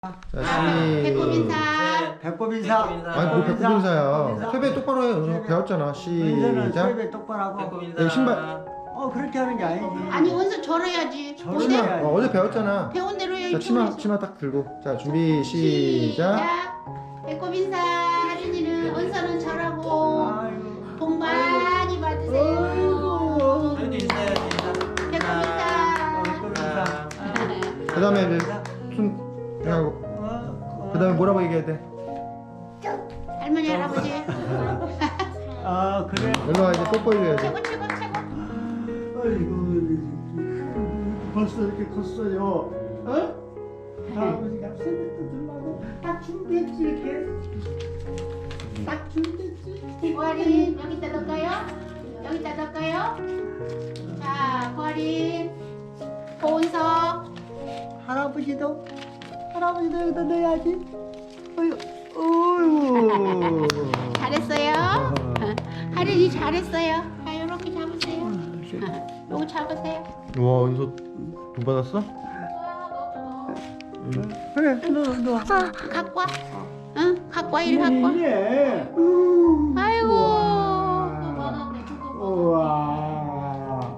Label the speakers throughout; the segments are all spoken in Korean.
Speaker 1: 자,
Speaker 2: 배꼽 인사.
Speaker 3: 배꼽 인사.
Speaker 1: 아니 뭐 배꼽 인사야. 세배 똑바로 해. 은서 배웠잖아.
Speaker 3: 은서는
Speaker 1: 시작.
Speaker 3: 세배 똑바로 하고.
Speaker 2: 배꼽 인사.
Speaker 1: 여기 신발.
Speaker 3: 그렇게 하는 게 아니지.
Speaker 2: 아니 원서 절어야지.
Speaker 3: 절어야
Speaker 2: 어제
Speaker 3: 돼.
Speaker 1: 어제 배웠잖아.
Speaker 2: 배운 대로
Speaker 1: 자,
Speaker 2: 해야지.
Speaker 1: 치마 딱 들고. 자, 준비 시작.
Speaker 2: 배꼽 인사. 하린이는 은서는 절하고
Speaker 3: 아이고.
Speaker 2: 복 많이 받으세요.
Speaker 3: 아이고.
Speaker 2: 배꼽 인사.
Speaker 3: 배꼽 인사.
Speaker 1: 그다음에 이제 손 하고. 그다음에 뭐라고 얘기해야 돼?
Speaker 2: 할머니 할아버지.
Speaker 3: 그래.
Speaker 1: 일로 와 이제 뽀뽀해줘야지.
Speaker 2: 최고 최고 최고.
Speaker 3: 아이고. 벌써 이렇게 컸어요. 아버지가 세뱃도 주려고 딱 준비했지 이렇게. 딱 준비했지.
Speaker 2: 고아린 여기다 넣을까요? 여기다 넣을까요? 자 고아린 고은석.
Speaker 3: 할아버지도 여기다 넣어야지. 어이구.
Speaker 2: 잘했어요. 하린이 잘했어요. 자 이렇게 잡으세요. 요거 잡으세요.
Speaker 1: 와, 은서 돈 받았어?
Speaker 3: 그래, 너.
Speaker 2: 갖고 와. 응, 갖고 와, 일 갖고 와.
Speaker 3: 예.
Speaker 2: 아이고.
Speaker 3: 우와.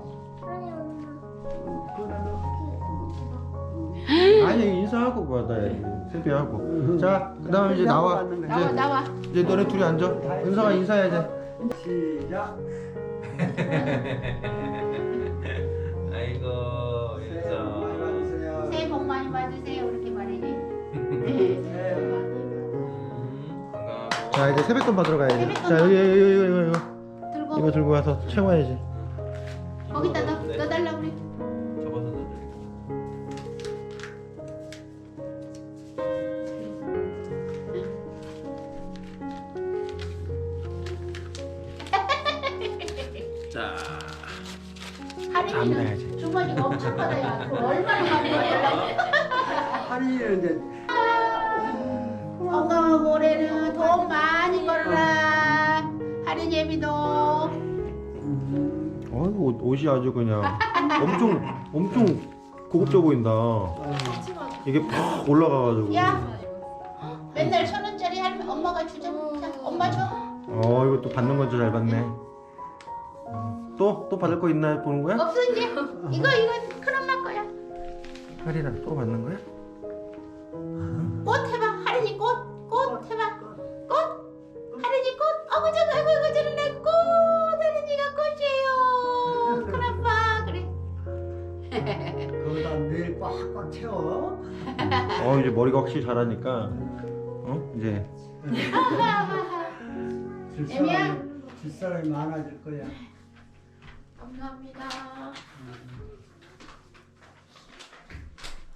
Speaker 1: 아니 인사하고 받아야지. 세배하고. 자, 그다음에 이제 나와.
Speaker 2: 나와.
Speaker 1: 이제 너네 둘이 앉아. 은서가 인사해야지.
Speaker 3: 시작.
Speaker 2: 새해
Speaker 3: 새해
Speaker 2: 복
Speaker 3: 복 많이 받으세요.
Speaker 2: 많이 받으세요. 이렇게 말이지.
Speaker 3: 새해 복 많이
Speaker 2: 건강하고.
Speaker 1: 자, 이제 세뱃돈 받으러 가야지.
Speaker 2: 세뱃돈
Speaker 1: 자, 여기 이거
Speaker 2: 들고
Speaker 1: 들고 와서 채워야지.
Speaker 2: 거기다 넣어달라 그래.
Speaker 4: 접어서 넣어드릴게요. 자,
Speaker 2: 하린이는 주머니가 엄청 커요. 그거 얼마나 많이 받으려고.
Speaker 3: 할인이는 이제
Speaker 2: 건강하고 올해는 돈 많이 벌어라. 하린 예비도.
Speaker 1: 어이구, 옷이 아주 그냥 엄청 고급져 보인다. 이게 팍 올라가가지고.
Speaker 2: 야, 맨날 1,000원짜리 할면 엄마가 주자. 자, 엄마 줘.
Speaker 1: 이거 또 받는 건지 잘 받네. 또 받을 거 있나 보는 거야?
Speaker 2: 없어 이제. 이거 큰엄마 거야.
Speaker 1: 할인아, 또 받는 거야?
Speaker 2: 꽃 해봐. 하린이 꽃 해봐. 꽃. 하린이 꽃. 어구 저는 내 꽃. 하린이가 꽃이에요. 큰아빠 그래.
Speaker 3: 거기다 늘 꽉꽉 채워.
Speaker 1: 이제 머리가 확실히 자라니까. 이제
Speaker 2: 애미야.
Speaker 3: 뒷사람이 많아질 거야.
Speaker 2: 감사합니다.